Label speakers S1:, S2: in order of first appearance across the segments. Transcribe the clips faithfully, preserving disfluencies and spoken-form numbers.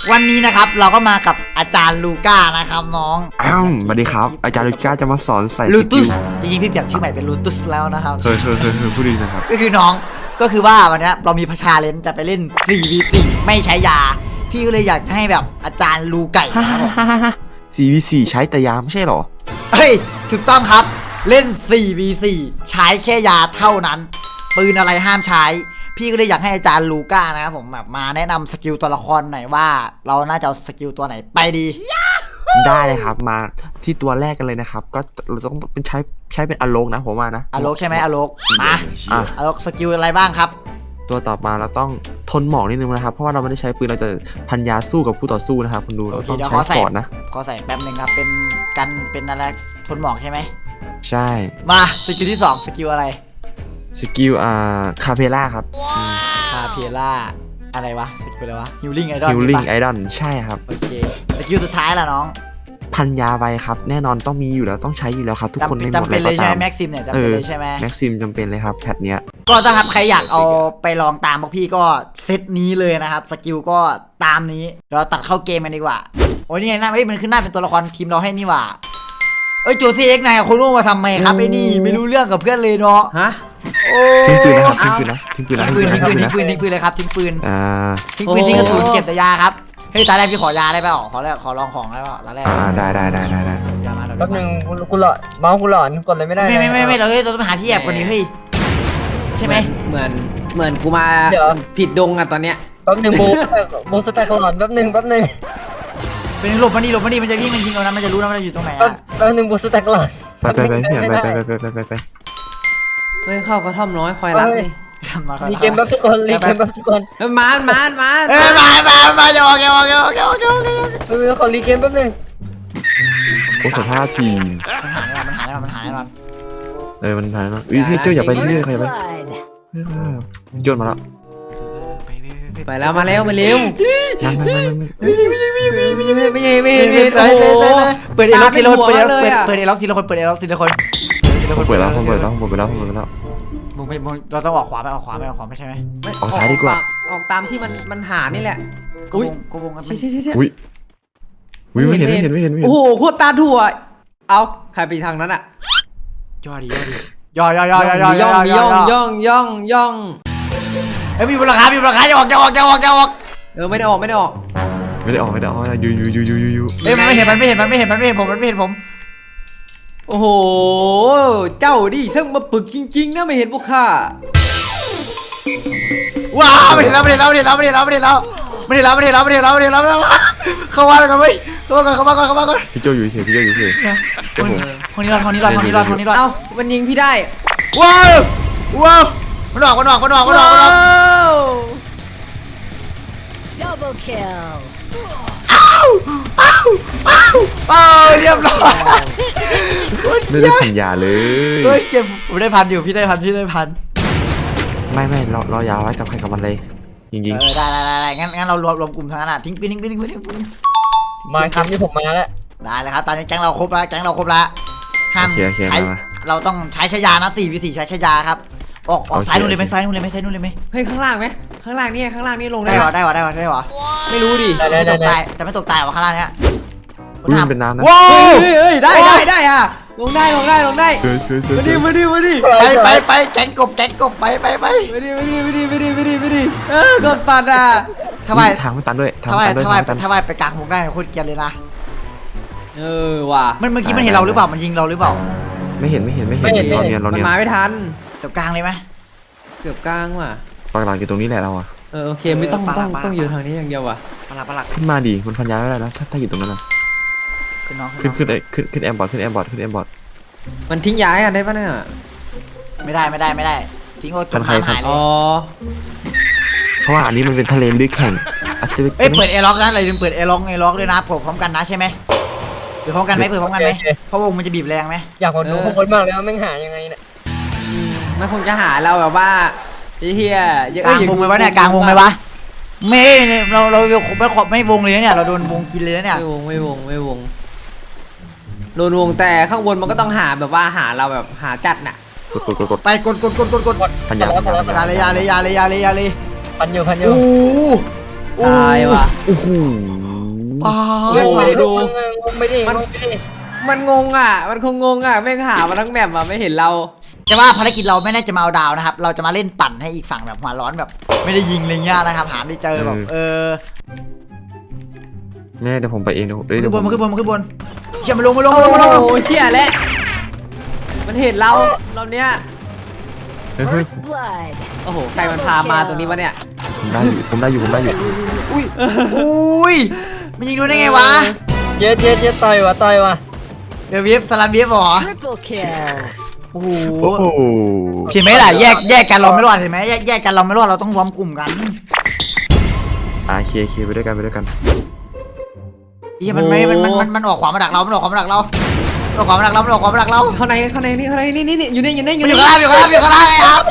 S1: วันนี้นะครับเราก็มากับอาจารย์ลูก้านะครับน้อง
S2: อ้าวสวัสดีครับอาจารย์ลูก้าจะมาสอนใส่
S1: ลูตุสจริงๆพี่เปลี่ยนชื่อใหม่เป็นลูตุสแล้วนะครับ
S2: เออเออเออเออพูดดีนะครับ
S1: ก็คือน้องก็คือว่าวันนี้เรามีพชาเลนจะไปเล่น สี่ วี สี่ ไม่ใช้ยาพี่ก็เลยอยากจะให้แบบอาจารย์ลูไก่นะครับ
S2: สี่ วี สี่ ใช้แต่ยาไม่ใช่หรอ
S1: เฮ้ยถูกต้องครับเล่น สี่ วี สี่ ใช้แค่ยาเท่านั้นปืนอะไรห้ามใช้พี่ก็เลยอยากให้อาจารย์ลูก้านะครับผมแบบมาแนะนำสกิลตัวละครหน่อยว่าเราน่าจะเอาสกิลตัวไหนไปดี
S2: ได้เลยครับมาที่ตัวแรกกันเลยนะครับก็เราต้องเป็นใช้ใช้เป็นอโลกนะผมว่านะ
S1: อโลกใช่ไหมอโลกมาอโลกสกิลอะไรบ้างครับ
S2: ตัวต่อมาเราต้องทนหมอกนิดนึงนะครับเพราะว่าเราไม่ได้ใช้ปืนเราจะพันยาสู้กับผู้ต่อสู้นะครับคุณดูเราต้องใช้ฟอร์ดนะ
S1: ขอใส่แป๊บนึงครับเป็นกันเป็นอะไรทนหมอกใช่ไหม
S2: ใช่
S1: มาสกิลที่สองสกิลอะไร
S2: สกิลอ่าคาเพล่าครับ
S1: คาเพล่าอะไรวะสกิลอะไรวะฮิลลิ่งไอดอล
S2: ฮิลลิ่งไอดอลใช่ครับ
S1: โอเคสกิลสุดท้ายล่ะน้อง
S2: พันยาไวครับแน่นอนต้องมีอยู่แล้วต้องใช้อยู่แล้วครับทุกคนในหมด
S1: จำเป็นเลยใช่ไหมแม็กซิมเนี่ยจำเป็นเลยใช่ไหม
S2: แม็กซิมจำเป็นเลยครับแพทเนี้ย
S1: ก็ถ้าครับใครอยากเอาไปลองตามพวกพี่ก็เซตนี้เลยนะครับสกิลก็ตามนี้เราตัดเข้าเกมกันดีกว่าโอ้ยนี่ไงหน้าเอ้ยมันขึ้นหน้าเป็นตัวละครทีมเราให้นี่ว่าเอ้ยโจซี่เอ็กซ์นายคุณรู้มาทำไมครับไอ้นี่ไม่รู้เรื่องกับเพื่อนเลยเนาะ
S3: ฮะ
S1: โอ้
S2: ทิ้งปืนนะครับทิ้งปืนนะทิ้งปืนนะ
S1: ทิ้งปืนทิ้งปืนทิ้งปืนทิ้งปืนเลยครับทิ้งปืน
S2: อ่า
S1: ทิ้งปืนทิ้งกระสุนเก็บแต่ยาครับเฮ้ยตาแรกพี่ขอยาได้เปล่าขอแรกขอลองของได้เปล่าตาแรก
S2: อ่าได้ได้ได้ได้ได้
S1: ยามา
S3: แป๊บนึงกูหลอนเมาส์กูหลอนกดเลยไม่ได้
S1: ไม่ไม่ไม่ไม่เราเฮ้ยเราต้องหาที่แอบก่อนนี้เฮ้ยใช่ไหม
S3: เหมือนเหมือนกูมาผิดดงอะตอนเนี้ย
S1: แป๊บนึง
S3: โบโบสแต็กหลอนแป๊บนึงแป๊บนึง
S1: เป็นหลบมาดิหลบมาดิมันจะวิ่งมันยิงเรานะมันจะรู้นะมันจะอยู่ตรงไหนอ่ะ
S3: แป๊บนึงโบสแต็กหลอน
S2: ไปไปไปไปไปไปไปไปไป
S3: เฮ้ยเข้ากระท่อมน้อยคอยรับนี่
S1: รี
S3: เกมแบบทุกคนรีเกมแบบทุกคนมานมานมาน
S1: เอ้ยมามามาอย่าออกอย่าออกอย่าออกอย่าออกอย่าออก
S3: เฮ้ยขอรีเกมแป๊บนึง
S2: โอ้สภาพทีม
S1: มันหายแล้วมันหายแล้วมันหายแล้ว
S2: เออมันหายแล้วอุ้ยพี่เจ้าอย่าไปที่นี่ใครไปโยนมาแล้ว
S3: ไปแล้วมาแล้วมาเร็ว
S2: ยังไม่ไม่
S3: ไม่ไม่ไม่ไม่ไม่
S1: โอ้โหเปิดเอล็อกทีละคนเปิดเอล็อกเปิดเอล็อกทีละคนเปิดเอล็อกทีละคน
S2: ผมเปิดแล้วผมเปิดแล้วผมเปิดแล้วผมเปิดแล้ว
S1: มึงไม่มึงเราต้องออกขวาไปออกขวาไปออกขวาไม่ใช่ไหม
S2: ออกซ้ายดีกว่า
S3: ออกตามที่มันมันหานี่แหละ
S1: อุ้ยกูวงกัน
S3: ใช่ใช่ใช่
S2: อุ้ยอุ้ยไม่เห็นไม่เห็นไม่เห็นไม่เห็น
S3: โอ้โหโคตรตาถั่วเอาใครไปทางนั้นอะ
S1: ย่อดิย่อดิย่อย่อย่อย่อย่อย่อย่
S3: องย่องย่องย่อง
S1: เฮ้ยมีมูลค่ามีมูลค่าอย่าออกอย่าออกอย่าออกอย่าออก
S3: เออไม่ได้ออกไม่ได้ออก
S2: ไม่ได้ออกไม่ได้ออกยูยูยูยูยูยู
S1: เฮ้ยมันไม่เห็นมันไม่เห็นมันไม่เห็นมันไม่เห็นผมมันไม่เห็นผม
S3: โอ้โหเจ้าดิซึ่งมาปึกจริงๆนะไม่เห็นพวกข้า
S1: ว้าวไม่เห็นแล้วไม่เห็นแล้วไม่เห็นแล้วไม่เห็นแล้วไม่เห็นแล้วไม่เห็นแล้วไม่เห็นแล้วไม่เห็นแล้วไม่เห็นแล้วไม่เห็นแล้วเข้ามาเลยกันไหมเข้ามาก่อนเข้ามาก่อนเข้ามาก่อน
S2: พี่โจอยู่เฉยพี่โจอยู่เฉย
S1: คนนี้รอดคนนี้รอดคนนี้รอดคนนี้รอด
S3: เอ้ามันยิงพี่ได้
S1: ว้าวว้าวมันออกมันออกมันออกมันออกมันออก
S4: Double kill
S1: อ้าวอ้าวอ้าวอ้าวเรียบร้อย
S2: ไม่ได้พันยาเลย
S1: เฮ้ยเจ็บผมได้พันอยู่พี่ได้พันพี่ได้พัน
S2: ไม่ไม่เราเรายาวไว้กับใครกับมันเลยจริงๆ
S1: เออได้ได้ได้งั้นงั้นเรารวมรวมกลุ่มทั้งนั้นอ่ะทิ้งปืนทิ้งปืนทิ้งปืนทิ้งปืน
S3: มาครับที่ผมมาแล้ว
S1: ได้เลยครับตอนนี้แก๊งเราครบแล้วแก๊งเราครบแล้วห้ามใช้เราต้องใช้แค่ยานะสี่วิสี่ใช้แค่ยาครับออกออกซ้ายนู่นเลยไหมซ้ายนู่นเลยไหมซ้ายนู่นเลยไหม
S3: เฮ้ยข้างล่างไหมข้างล่างนี่ข้างล่างนี่ลงได้
S1: หรอได้หรอได้หรอได้หรอ
S3: ไม่รู้ดิ
S1: ไม่ตกตายจะไม่ตกตายหรอข้างล่างเนี้ย
S2: มันเป็นน้ำนะ
S1: ว้าว
S3: เฮ้ยได้ได้ได้อะลงได้ลงได้ลงได้มาดิมาดิมาดิ
S1: ไปไปไปแก๊งกบแก๊งกบไปไปไป
S3: มาดิมาดิมาดิมาดิมาดิมาดิเออโดนปัดอ่ะ
S1: ทำไม
S2: ทางมันตันด้วย
S1: ทำไมทำไมทำไมไปกลางวงได้โคตรเกลียดเลยนะ
S3: เออว่ะ
S1: มันเมื่อกี้มันเห็นเราหรือเปล่ามันยิงเราหรือเปล่า
S2: ไม่เห็นไม่เห็นไม่เห็นเราเนียนเราเนียน
S3: มันมาไม่ทัน
S1: เกือบกลางเลยไหม
S3: เกือบกลางว่ะ
S2: ปากหลังอยู่ตรงนี้แหละเราอ่ะ
S3: เออโอเคไม่ต้องต้องต้องอยู่ทางนี้อย่างเดียวว่ะ
S1: ปลักปลัก
S2: ขึ้นมาดิมันพันยาไม่ได้นะถ้าถ้าอยู่ตรงนั้นนะ
S1: ขึ้นน้อง
S2: ขึ้นขึ้นขึ้นขึ้นแอมบอร์ดขึ้นแอมบอร์ดขึ้นแอมบอร์ด
S3: มันทิ้งย้ายกันได้ปะเนี่ย
S1: ไม่ได้ไม่ได้ไม่ได้ทิ้งโอ้จมหายเลย
S3: อ๋อ
S2: เพราะว่าอันนี้มันเป็นทะเลลึกแข่ง
S1: เอ้ยเปิดเอล็อกนะอะไรลืมเปิดเอล็อกเอล็อกด้วยนะผมพร้อมกันนะใช่ไหมเปิดพร้อมกันไหมเปิดพร้อมกันไหมเพราะวงมันจะบีบแรงไหม
S3: อยากดูข้างบนมากเลยว่าแม่งหายังไงเนี่ยมันคงจะหาเราแบบว่าเฮีย
S1: กลางวงไหมวะเนี่ยกลางวงไหมวะไม่เราเราไม่ขอบไม่วงเลยเนี่ยเราโดนวงกินเลยเนี่ย
S3: ไม่วงไม่วงไม่วงโดนวงแต่ข้างบนมันก็ต้องหาแบบว่าหาเราแบบหาจัดน่ะ
S2: กดกดกดกด
S1: ไปกดกดกดกดกด
S2: พันยาพันยา
S1: เลยยาเลยยาเลยยาเลยยาเลยยาเลย
S3: พันอยู่พันอยู่
S1: โอ้โ
S3: ตายว่ะ
S2: โอ้โห
S1: ป้า
S3: โอ้โหดู
S5: ไม่ได้
S3: มัน
S5: ไม่ได้
S3: มันงงอ่ะ มันคงงงอ่ะแม่งหามาทั้งแมปอ่ะไม่เห็นเรา
S1: แต่ว่าภารกิจเราไม่ได้จะมาเอาดาวนะครับ เราจะมาเล่นปั่นให้อีกฝั่งแบบหัวร้อนแบบ ไม่ได้ยิงอะไรเงี้ยนะครับหาไม่เจอแบบเออ
S2: แม่เดี๋ยวผมไปเองเดี๋ยวเดี๋
S1: ขึ้
S2: ย
S1: น
S2: ว
S1: บน
S2: ผม
S1: มาขึ้นบนมาขึ้นบนเชี่ยมันลงมาลง
S3: โอ้
S1: มาลงมาลง
S3: โหเชี่ยแล้วมันเห็นเราเราเนี้ย
S2: เฮ้ยเฮ้ย
S4: First blood.
S3: โอ้โหใครมันพามาตรงนี้วะเนี่ย
S2: ผมได้อยู่ผมได้อยู่ผมได้อยู่
S1: อุ้ยอุ้ยมันยิงโดนได้ไงวะ
S5: เย็ดเย็ดเย็ดต่อยวะต่อยวะ
S1: เดี๋ยวเวฟสลัมเวฟเหรอ
S4: Triple kill.
S1: โอ้โห
S2: โอ้โห
S1: เห็นไหมล่ะแยกแยกกันเราไม่รอดเห็นไหมแยกแยกกันเราไม่รอดเราต้องรวมกลุ่มกัน
S2: อ่าเคเคไปด้วยกันไปด้วยกัน
S1: เฮียมันไม่มันมันมันมันออกขวามาดักเรามันออกขวามาดักเรามันออกขวามาดักเรามันออกขวามาดักเรา
S3: เข้าในเข้าในนี่เข้าในนี่นี่นี่อยู่นี่อยู่นี่อ
S1: มัน
S3: ยู่
S1: อยู่
S3: นี่
S1: ข้างล่างอยู่ข้างล่างอยู่ข้างล่างไอ้ครับ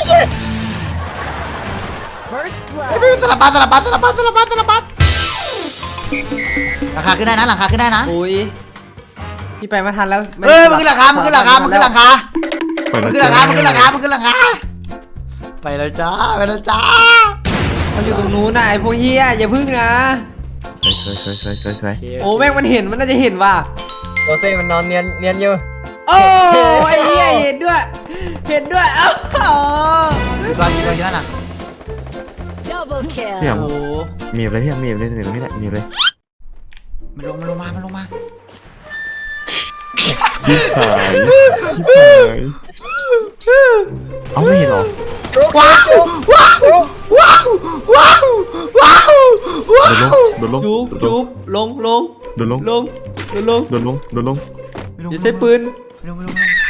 S4: First
S1: ไอ้พี่
S4: blood.
S1: สลับบัสสลับบัสสลับบัสสลับบัสสลับบัสหลังคาขึ้นได้นะหลังคาขึ้นได้นะ
S3: อุ้ยพี่ไปมาทันแล้ว
S1: เอ้ยมันขึ้นหลังคามันขึ้นหลังคามันขึ้นหลังคา
S2: เปิด
S1: มัน
S2: นะ
S1: ขึ้นหลังคามันขึ้นหลังคามันขึ้นหลังคาไปแล้วจ้าไปแล้วจ้า
S3: เขาอยู่ตรงนู้นนะไอ้พวกเฮียอย่าพึ่งนะ
S2: สวยสวยสวยสวยสวย
S3: โอ้แม่งมันเห็นมันน่าจะเห็นว่ะ
S5: โรเซ่มันนอนเนียนเนียนอยู่
S3: โอ้ไอ้เหี้ยเห็นด้วย เห็นด้วยเอ้าอ๋อ
S1: อยู่ตัวอยู่ตัวอยู่นั่นน่ะ
S4: Double
S2: พี่แอ
S4: kill.
S2: ม
S3: โอ้โห
S2: มีอะไรพี่แอมมีอะไรมีอะไรตรงนี้แหละมีอะไร
S1: มันลงมันลงมามันลงมา
S2: ชิบหายชิบหายเอาไม่เห็นหรอ
S1: ว้าวว้าวว้าวว้าวว้าวว้าว
S2: โดนลง
S3: จุ๊บ
S2: โดนล
S3: จุ๊
S2: ง
S3: บลงลง
S2: โดนลง
S3: ลงลงลง
S2: โดนลงโดนลง
S3: อย่าใช้ปืน
S1: ไม่ลงไม่ลงไม่ลง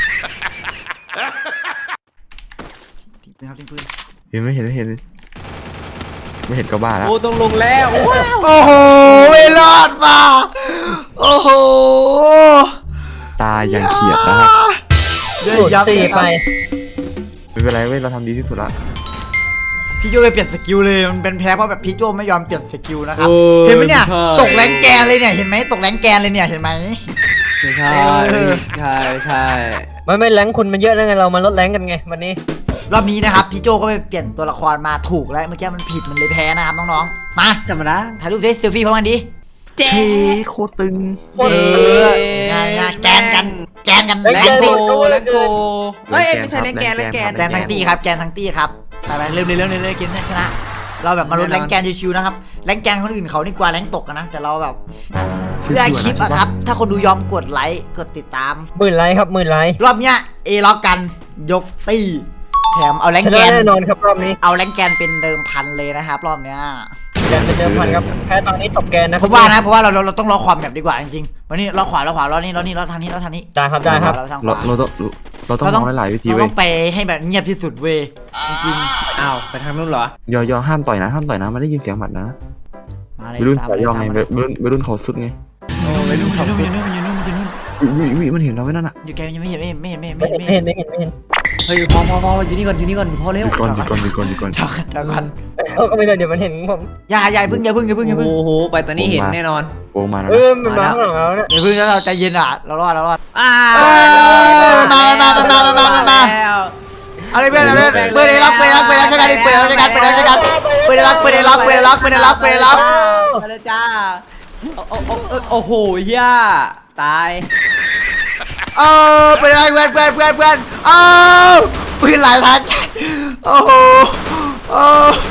S1: ทิ้งปืนครับทิ้งปืน
S2: เห็นไม่เห็นไม่เห็นไม่เห็นก็บ้าแล้ว
S3: โอ้ต้องลงแล้วว้าว
S1: โอ้โหไม่รอดมาโอ้โห
S2: ตายังเขียดนะครับ
S1: เดี๋ยว
S5: สูตร
S1: ยับ
S5: สี่ไป
S2: ไม่เป็นไรเว้ยเราทำดีที่สุดละ
S1: พี่โจไปเปลี่ยนสกิลเลยมันเป็นแพ้เพราะแบบพี่โจไม่ยอมเปลี่ยนสกิลนะครับเห็นไหมเนี่ยตกแรงแกนเลยเนี่ยเห็นไหมตกแรงแกนเลยเนี่ยเห็นไหม
S3: ไม่ใช่
S1: เออ
S3: ใช่ใช่
S5: ไม่ไม่แรงคุณมันเยอะแล้วไงเรามาลดแรงกันไงวันนี้
S1: รอบนี้นะครับพี่โจก็ไปเปลี่ยนตัวละครมาถูกแล้วเมื่อกี้มันผิดมันเลยแพ้นะครับน้องๆมา
S3: ธรรมดา
S1: ถ่ายรูปเซลฟี่พร้อมกันดิ
S3: เจ๊
S2: เชโคตรตึง
S1: เอองานงานแกนกันแกนกัน
S5: แล้
S1: แก
S3: แล
S1: น
S3: ง
S1: ตี
S3: โกแลงโกเฮ้ยไม่ใช่แรงแกนแรงแกน
S1: แกนทั้งตีครับแกนทั้งตีครับไปไปเริ่มเลยเริ่มเลยเริ่มเกมเนี่ยชนะ เราแบบมาลุ้นแรงแกนชิวๆนะครับแรงแกนคนอื่นเขานี่กว่าแรงตกกันนะแต่เราแบบเพื่อคลิปอะครับถ้าคนดูยอมกดไลค์กดติดตาม
S5: หมื่นไลค์ครับหมื่นไลค์
S1: รอบเนี้ยเอล็อกกันยกตีแถมเอาแรง
S5: ช
S1: แก
S5: นะ
S1: น
S5: แน่นอนครับรอบนี้
S1: เอาแรงแกนเป็นเดิมพันเลยนะครับรอบเนี้ย
S5: แกนเป็นเดิมพันครับแพ้ตอนนี้ตกแกนนะ
S1: ผมว่านะเพราะว่าเราเราเราต้องล็อกความแบบดีกว่าจริงๆวันนี้ล็อกขวาล็อกขวาล็อกนี่ล็อกนี่ล็อกทางนี้ล็อกทางนี้
S5: ได้ครับได้ครับ
S1: เราทางข
S2: เรา
S1: วา
S2: เราต้องเราต้องมองหลายๆวิธี
S1: เรา
S2: เว้
S1: ต้
S2: ย
S1: องไปให้แบบเงียบที่สุดเว้ยจริง
S3: อ้าวไปทางนู้นเหรอย
S2: อยอห้ามต่อยนะห้ามต่อยนะมันได้ยินเสียงหมัดนะ
S1: ๆมาเลย
S2: ไปรุ่น
S1: ตาม
S2: สายยองไง
S1: ตาม
S2: ไป
S1: มาเลย
S2: รุ่นไปรุ่นเขาสุดไง
S3: โอ้ไปดู
S1: มัน
S3: เขา
S1: อยู่นู่นมันอยู่นู่นมันอยู่นู่นมันอยู่นู่น
S2: อุ้ยอุ้ยมันเห็นเราไว้นั่นน่ะ
S1: อยู่แกยังไม่เห็นไม่เห็นไม่เห็นไม่เห็น
S5: ไม่
S1: ไม่
S5: เห็
S1: เห็
S5: น
S1: น
S5: ไม่เห็นไม่เห็นไม่เห็น
S3: เฮ้ยพอพอพออยู่นี่ก่อนอยู่นี่ก่อนพอ
S2: ห
S3: เร็ว
S2: ยุดก่อนหยุดก่อนหยุดก่อนหยุดก่อน
S1: เจ้ากันเจ้ากัน
S5: เขาก็ไม่ได้เดี๋ยวมันเห็นผม
S1: อย่าอย่าเพิ่งอย่าเพิ่งอย่าเพิ่งอย่าเพิ่ง
S3: โอ้โหไปตอนนี้เห็นแน่นอน
S2: โกงมาแล้ว
S5: เอ
S2: นะ
S5: อมันมาข้างหลังเราเนี่ย
S1: อย่าเพิ่งแล้วเราใจเย็นอ่ะเรารอดเรารอด
S3: อ่า
S1: เอ้ยมามามามามามามามา
S3: แล้ว
S1: เอาเลยเพื่อนเอาเลยเปิดเลยล็อกเปิดล็อกเปิดล็อกใช้กันดิเปิดล็อกใช้กันเปิดล็อกใช้กันเปิดล็อกเปิดล็อกเปิดล็อกเปิดล็อกเปิดล็อก
S3: ไปเลยจ้าโอ้โอ้โอ้โอ้โหย่าตาย
S1: เออเปิดล็อกเพื่อนเพื่อนเพื่อนเพื่อนเออปืนหลายทันโอ้โหโอ้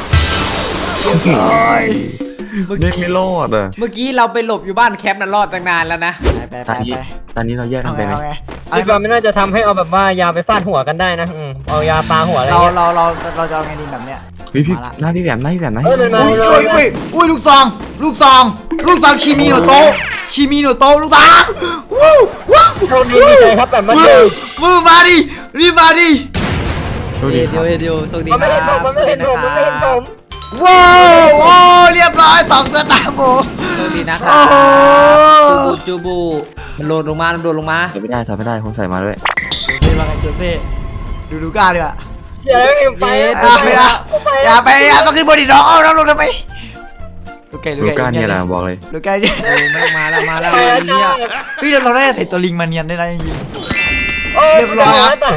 S1: ย
S2: เล่นไม่รอดอ่ะ
S3: เมื่อกี้เราไปหลบอยู่บ้านแคปนั้นรอดตั้งนานแล้วนะ
S1: ไปไป
S2: ตอนนี้
S1: ไป
S2: ตอนนี้เราแยกกั
S1: เอา
S2: น
S1: ไง
S2: ไปไหม
S1: เอาไง
S5: คิดว่าไม่น่าจะทำให้เอาแบบว่ายาไปฟาดหัวกันได้นะอืมเอายาปาหัวอะไร
S1: เรา
S5: เงี้ย
S1: เราเราเราจะเอาไงดีแบบเนี้ย
S2: เฮ้ยพี่
S1: มาละ
S2: หน้าพี่แหวมหน้าพี่แหวมหน้า
S5: เออมันมา
S1: อุ้ยอุ้ยอุ้ยอุ้ยลูกซองลูกซองลูกซองชิมิโนโตะชิมิโนโตะลูกซองวู้วู้
S5: โชคดีมีใจครับแบบมา
S1: มื
S5: เจ
S1: อ
S5: อ
S1: มือมาดิรีบมาดิ
S2: โชคดี
S3: เดี
S2: ค
S3: ย
S2: รั
S3: ว
S2: บ
S3: เดียวโชคดี
S5: มันไม่เห็นผมมันไม่เห็นผมมันไม่เห็นผม
S1: ว้าวโอ้เรียบร้อยสองตัวตามผม
S3: โชคดีนะค
S1: โอ้
S3: รับ
S1: โห
S3: จูบูจูบูมันโดดลงมามันโดดลงมา
S2: ถอยไม่ได้ถอยไม่ได้คนใส่มาด้วย
S1: โจเซ่มาไงโจเซ่ดูดูก้าดีกว่า
S5: เชียร์แล้วยังไป
S1: อย่าไปอย่าไปอย่าต้องขึ้นบนดิน้องเอาน้องลงทำไมลูกไก่ลู
S2: ลู
S1: ก
S2: ก้า
S1: ไก่
S2: เนี่ยแหละบอกเลย
S1: ลูกไก่เนี่ย
S3: โอ้แม่งมาแล้วมาแล้ว
S5: ไป
S3: ไอ้
S5: แล้ว
S3: เหี้ย
S5: จ้า
S1: เฮ้ยเราได้ใส่ตัวลิงมาเนียนได้นะจริง
S5: โอ้
S1: เรียบร้อยครับ
S5: แต่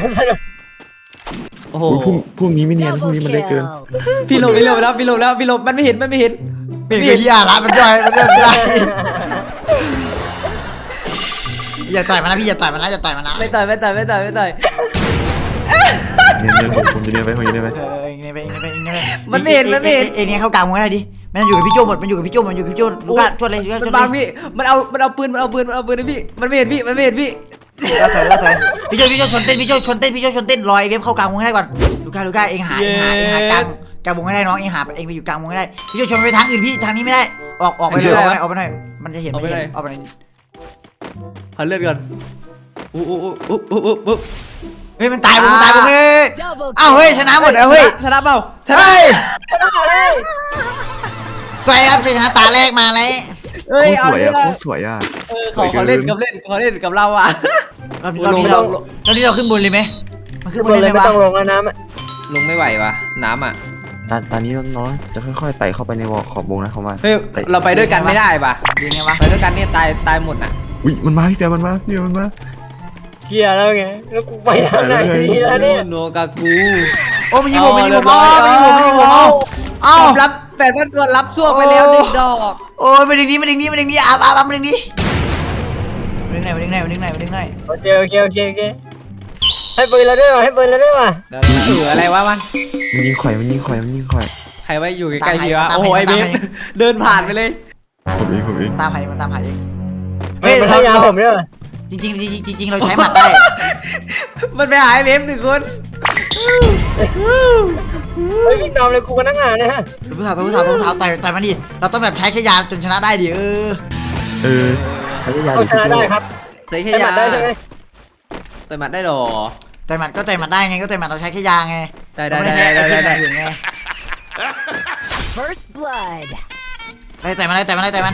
S3: โอ้โห
S2: อุ๊ยพวกพวกนี้ไม่เนียนพวก
S4: Double
S2: นี้มันได้เกิน
S4: kill.
S3: พี่หลบพี่หลบแล้วพี่หลบแล้วพี่หลบมันไม่เห็นมันไม่เห็น
S1: เปลี่ยนไปที่อาละมันย่อยมันย่อยไม่ได้อย่าต่อยมันนะพี่อย่าต่อยมันนะอย่าต่อยมันนะ
S3: ไม่ต่อยไม่ต่อยไม่ต่อยไม่ต่อย
S2: เนียนเนียนผมผมจะเนียนไปผมจะเนียนไป
S1: เออเองเนี่ยไปเองเนี่ยไปเองเนี่ยไป
S3: มันไม่เห็นมันไม่เห็น
S1: เองเนี่ยเข้ากลางวงได้ดิมันอยู่กับพี่โจหมดมันอยู่กับพี่โจมันอยู่กับพี่โจลูก้าช่วยเลยช่วย
S3: มัน
S1: ช่วย
S3: บาง
S1: เลย
S3: พี่มันเอามันเอาปืนมันเอาปืนมันเอาปืนให้พี่มันไม่เห็นพี่มันไม่เห็นพี่
S1: แล้วถอยแล้วถอยพี่โจพี่โจชนเต้นพี่โจชนเต้นพี่โจชนเต้นลอยเว็บเข้ากลางวงให้ได้ก่อนลูก้าลูก้าเองหาเองหาเองหากลางกลางวงให้ได้น้องเองหาเองไปอยู่กลางวงให้ได้พี่โจชนไปทางอื่นพี่ทางนี้ไม่ได้ออกออกไปเลยออกไปหน่อยออกไปหน่อยมันจะเห็นไม่เห็นออกไปหน่อย
S3: พันเลือดก่อนอู้อู้อู้อู้อู้อู้
S1: เฮ้ยมันตายผมมันตายผมเฮ้ย
S4: Double
S1: อ้าวเฮ้ยชนะหมดแล้วเฮ้ย
S3: ชนะเปล่าชนะ
S1: เฮ้ยสวยครับชนะตาแรกมาเลย
S3: เฮ้ย
S2: โคตร
S3: เอา
S2: สวย
S3: ดิ
S2: อ่ะโคตรสวยอ่ะ
S3: เออเขาเขาเล่นกับเล่นเขาเล่นกับเราอ่ะ
S1: รอบนี้รอบนี้เรารอบนี้เราขึ้นบนเลยไหมมันขึ้นบ
S5: มัน น
S1: เล
S5: เลย ย
S1: ไหม
S5: ไม่
S1: วะ
S5: ต้องลงแล้วน้ำอะ
S3: ลงไม่ไหววะน้ำอ่ะ
S2: ตอนตอนนี้น้องๆจะค่อยๆไต่เข้าไปในวอลขอบวงนะเขามา
S3: เฮ้ยเราไปด้วยกันไม่ได้ปะ
S1: ยังไงวะ
S3: ไปด้วยกันเนี่ยตายตายหมดอ่ะ
S2: อุ้ยมันมาพี่เปียมันมาพี่เปียมันมา
S5: เชียร์แล้วไงแล้วกูไปทางไหนดีแล้วเนี่ย
S3: โนกากู
S1: โอ้มันยิงผมมันยิงผมอ๋อมันยิงผมมันยิงผมอ๋อเอ้า
S3: รับแปดพันตัวรับช่วงไปแล้วหนึ่งดอก
S1: โอ้ยมาดึงนี้มาดึงนี้มาดึงนี้อาบอาบมาดึงนี้มาดึงไหนมาดึงไหนมาดึงไหนมาดึงไหน
S5: โอเคโอเคโอเคโอเคให้ปืนเราด้วยว่ะให้ปืนเราด้วยว่ะ
S3: เอออะไรวะมัน
S2: มันยิงข่อยมันยิงข่อยมันยิงข่อย
S3: ใครไว้อยู่ใกล้ๆพี่วะโอ้โหไอ้เบฟเดินผ่านไปเลย
S2: ผมเองผมเอง
S1: ตามหายมันตามหายเอง
S5: เฮ้ยมันให้ยาผมด้วยว่ะ
S1: จริงจริงจริงจริงเราใช้หมัดได้
S3: มันไปหาไอ้เบฟหนึ่งคน
S5: เฮ้ยวิ่งตามเลยกูกันนั่งหาเนี่ยฮะ
S1: ตัวผู้สาวตัวผู้สาวตัวผู้สาวต่อยต่อยมันดิเราต้องแบบใช้แค่ยาจนชนะได้ดิเออ
S2: เออใช้ยา
S5: เอาชนะได้ครับ
S3: ใส่แค่
S5: ให้ห
S3: ยา
S5: มัดได้ใช่ไหม
S3: ใส่หมัดได้หรอ
S1: ต่อยหมัดก็ต่อยหมัดได้ไงก็ต่อยหมัดเราใช้แค่ยาไง
S3: ได้ได้
S1: เราม่
S3: ได้ได้ได้ได้
S1: ใช้อื่นไง
S4: First blood.
S1: ต่อยต่อยมันได้ต่อยมันได้ต่อยมัน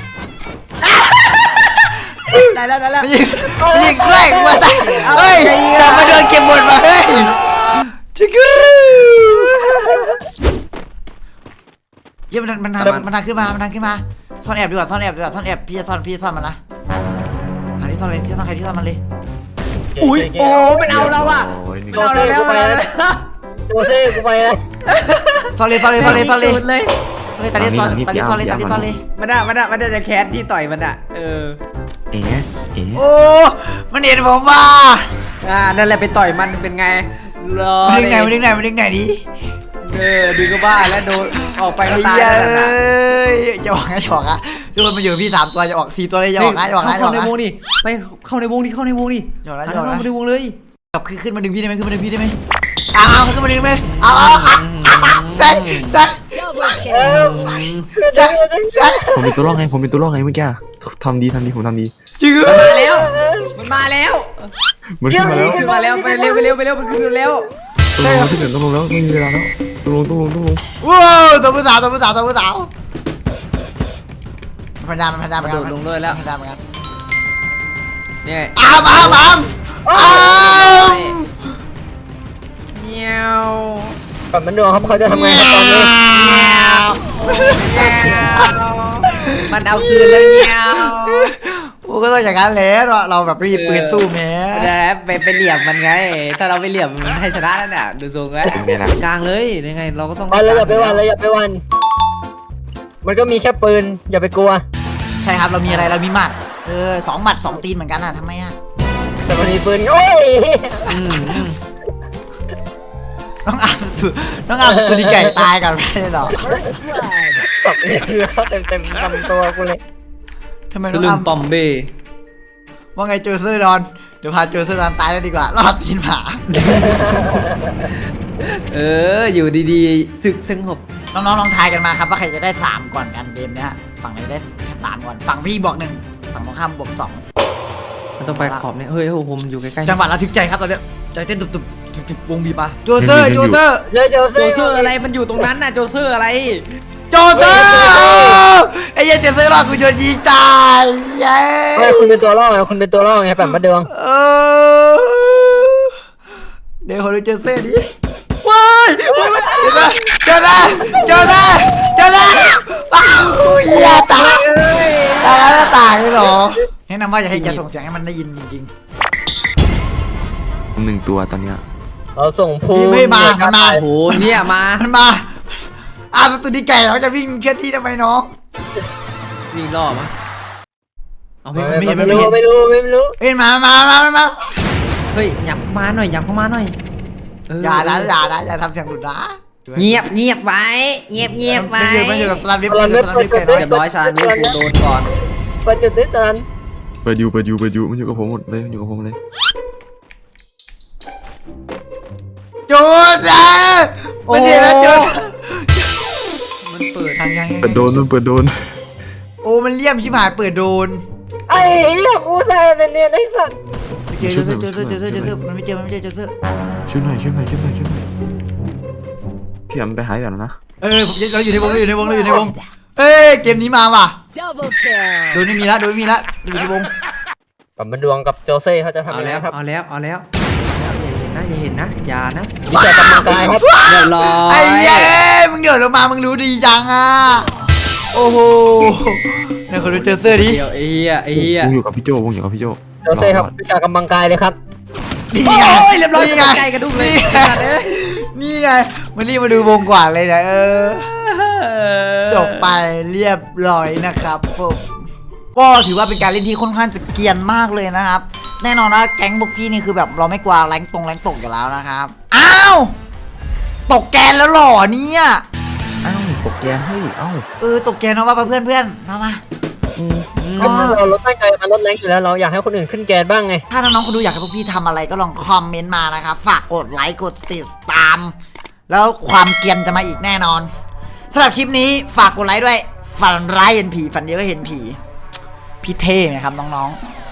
S3: ได้แล้วได้แล้ว
S1: มันยิงมันยิงแกล้งมาตายเฮ้ยกลับมาเดินเก็บบทมาเฮ้ยชิคกี้เยี่ยมันมันมันมันดังขึ้นมามันดังขึ้นมาซ่อนแอบดีกว่าซ่อนแอบดีกว่าซ่อนแอบพี่จะซ่อนพี่จะซ่อนมันนะหาที่ซ่อนเลยที่ซ่อนใครที่ซ่อนมันเลย
S3: อุ้ยโอ้มันเอาเราอ่ะ
S2: โอ้ยหนึ่ง
S3: มันเอาเราแล้วมันเอาเราแล้ว
S5: โอเซ่กูไปแล้ว
S1: ซ่อนเลยซ่อนเลยซ่อนเลยซ่อนเลย
S3: สุดเลย
S1: ซ่อนเลยตาลีซ่อนตาลีซ่อนเลยตาลีซ่อนเลย
S3: มันอะมันอะมันจะแคสที่ต่อยมันอะเออ
S2: เอ๋เอ๋
S1: โอ้มันเห็นผมว่า
S3: อ่านั่นแหละไปต่อยมันเป็นไงรอ
S1: มันดึงไหนมันดึงไหนมันดึงไหนดิ
S3: เออดึงก็บ้าแล้วโดนออกไปก็
S1: ไอ้
S3: ตาย
S1: เหี้ย
S3: แล้ว
S1: เอ
S3: นะ
S1: ้ยจะออกนะจะออกอะทุกคนมาอยู่กับพี่สามตัวจะออกสี่ตัวเลยจะออกนะจะออกนะจะอ
S3: เข้า
S1: อก
S3: ใน
S1: นะ
S3: วงนี่ไปเข้าในวงนี่เข้าในวงนี่
S1: จะออกนะจะอ
S3: เข้า
S1: อกนะ
S3: ในวงเลย
S1: แบบขึ้นขึ้นมาดึงพี่ได้ไหมขึ้นมาดึงพี่ได้ไหมอ้าวขึ้นมาดึงไหมอ้าวอ้าวอ้าวแซงแซง
S4: Double
S5: เอ
S4: kill.
S5: อ
S1: แซงแซง
S2: ผมเป็นตัวรอดไงผมเป็นตัวรอดไงเมื่อกี้ทำดีทำดีผมทำดี
S1: จริงเหรอ
S3: มาแล้วมันมาแล้ว
S2: มันขึ้นมาแล้ว
S3: ขึ้นมาแล้วไปเร็วไปเร็วไปเร็วมันขึ้นแล้ว
S2: ต้องลงแล้วที่เหลือต้องลงแล้วไม่มีเวลาแล้วต้องลงต้องลงต้องลง
S1: ว้าวตัวผู้สาวตัวผู้สาวตัวผู้สาวพันยามันพันยาเหมือน
S3: โด
S1: กัน
S3: ดลงเลยแล้ว
S1: พันยาเหมือนกัน
S3: นี่ไง
S1: อ้ามอ้ามอ้ามอ้าม
S3: เงี้ยว
S5: ก่อนมันดวงครับเขาจะทำไงครับตอนนี้
S3: มันเอาคืนแล้วเงี้ยว
S1: โอ้ก็ต้องอย่างนั้นแหละเราเราแบบไม่มีปืนสู้แม้
S3: แล้วไปไปเหลี่ยมมันไง ถ้าเราไปเหลี่ยมมันให้ชนะแล้วเนี่ยดูทรงแล้ว
S2: เป็นไงล่ะ
S3: กลางเลยยังไงเราก็ต้อง
S5: วันเลยอย่าไปวันเลยอย่าไปวัน มันก็มีแค่ปืนอย่าไปกลัว
S1: ใช่ครับเรามีอะไรเรามีหมัดเออสองหมัดสองตีนเหมือนกันอ่ะทำไมอ่ะ
S5: แต่มันมีปืนโอ้ย
S3: อืมอืม
S1: น้องอามตัวน้องอามตัวดีไก่ตายกันไม่ได้หรอ
S4: First blood.
S5: สับเนี่ยคือเขาเต็มเต็มลำตัวกูเลย
S1: ทำไม
S3: ทะ
S1: น้อง
S3: ลึ
S1: อาง ม
S3: ปอมเบ้
S1: ว่าไงโจเซอร์ดอนเดี๋ยวพาโจเซอร์ดอนตายแล้วดีกว่ารอดตีนหมา
S3: เอออยู่ดีๆศึกสงบ
S1: น้องๆลองทายกันมาครับว่าใครจะได้สามก่อนกันเกมเนี้ยฝั่งไหนได้แค่สามก่อนฝั่งพี่บวกหนึ่งฝั่งตรงข้ามบวกสอง
S3: มันต้องไปขอบเนี่ยเฮ้ยโอ้โหผมอยู่ใกล้ๆ
S1: จังหวะระทึกใจครับตอนเนี้ยใจเต้นตุบๆตุบๆวงบีบมาโจเซอร์โจเซอร์
S5: เลยโจ
S3: โจ
S5: เซ่
S3: เซอร์อะไรมันอยู่ตรงนั้นน่ะโจเซอร์อะไร
S1: โจเซอร์ไอ้เหี้ยัยโจเซอร์รอดกูโดนยิงตายเย้
S5: เฮ้ยคุณเป็นตัวล่อไงคุณเป็นตัวล่อไงแบบมาดวง
S1: เออเดี๋ยวขอดูโจเซอร์ดิว้ายเจอแล้วเจอแล้วเจอแล้วอ้าวเหี้ยตายตายแล้วตายเลยเหรอแนะนำว่าอย่าให้อย่าส่งเสียงให้มันได้ยินจริง
S2: หนึ่งตัวตอนเนี้ย
S5: เราส่งภู
S1: พี่ไม่มามันมา
S3: โอ้โหเนี่ยมา
S1: ๆมันมาอ้าวตัวนี้ไก่เราจะวิ่งเคลื่อนที่ทำไมน้อง
S3: วิ่งล่อมั้งเอาเฮ้ย
S1: ไม่เห็น
S5: ไม่
S1: ไม่
S5: รู้
S1: เห็น
S5: ไม่รู้ไม่รู้
S1: เอ้ยมามามามามา
S3: เฮ้ยหยับเข้ามาหน่อยหยับเข้ามาหน่อยเ
S1: อย่านะอย่านะอย่าทำเสียงหลุดนะ
S3: เงียบเงียบไว้เงียบเงียบไว้
S1: ไม่อยู่ไม่อยู่กับสลัมวิปไม่อยู่กับสลัมวิปไก่น้อย
S3: เรียบร้อยชาญนี่กูโดนก่อน
S5: เปิดจุดได้จาน
S2: เปิดอยู่เปิดอยู่เปิดอยู่มันอยู่กับผมหมดเลยมันอยู่กับผมเลย
S1: จูดอ่ะมันเห็นแล้วจูด
S3: มันเปิด
S1: ทางยัง
S2: เปิดโดนมันเปิดโดน
S1: โอ้มันเลี่ยมชิบหายเปิดโดน
S5: ไอ้เหี้ยกูใส่เป็นเนี่ยไอ้สัตว์
S1: เจอเจอเจอเจอเจอเจอเจอมันไม่เจอมันไม่เจอเจอเจอ
S2: ช่วยหน่อยช่วยหน่อยช่วยหน่อยช่วยหน่อยพี่แอมไปหายก่อนนะ
S1: เออผมเราอยู่ในวงเราอยู่ในวงเราอยู่ในวงเอ้ยเกมนี้มาว่ะ
S4: Double kill.
S1: โดนไม่มีละโดนไม่มีละอยู่ในวง
S5: กับมันดวงกับโจเซ่เขาจะทำ
S3: เอา
S5: ยังไง
S3: แล้ว
S5: ครับ
S3: เอาแล้วเอาแล้วอย่าเห็นนะอย่าเห็นนะอย่านะ
S5: วิชากำลังกายครับ
S3: เรียบร้อย
S1: ไอ้เย้มึงเดือดลงมามึงรู้ดีจังอ่ะโอ้โหเนี่ยคนดูเจอเสื้อดิ
S3: เดี๋ยวไอ้เหี้ยไอ้เหี้ยว
S2: งอยู่กับพี่โจวงอยู่กับพี่โจ
S5: โจเซ่ครับวิชากำลังกายเลยครับ
S1: นี่
S3: โอ้
S1: ไง
S3: ยเรียบร้อย
S1: นี่ไง
S3: ใกล้กระดุมเลย
S1: นี่ไงมันรีบมาดูวงกว่าเลยนะเออจบไปเรียบร้อยนะครับผมก็ถือว่าเป็นการเล่นที่ค่อนข้างจะเกรียนมากเลยนะครับ แน่นอนว่าแก๊งพวกพี่นี่คือแบบเราไม่กลัวแรงตรงแรงตกอยู่แล้วนะครับอ้าวตกแกนแล้วหรอเนี่ย
S2: อ้าวโปรแกรมให้เอ้า
S1: เออตกแกนเอาว่าเพื่อนเพื่อนๆมามา
S5: ก็เราลดตั้งใจมาลดแรงอยู่แล้วเราอยากให้คนอื่นขึ้นแกนบ้างไง
S1: ถ้าน้องๆคนดูอยากให้พวกพี่ทำอะไรก็ลองคอมเมนต์มานะครับฝากกดไลค์กดติดตาม แล้วความเกรียนจะมาอีกแน่นอนสำหรับคลิปนี้ฝากกดไลค์ด้วยฝันร้ายเห็นผีฝันเดียวก็เห็นผีพี่เท่ไหมครับน้องๆ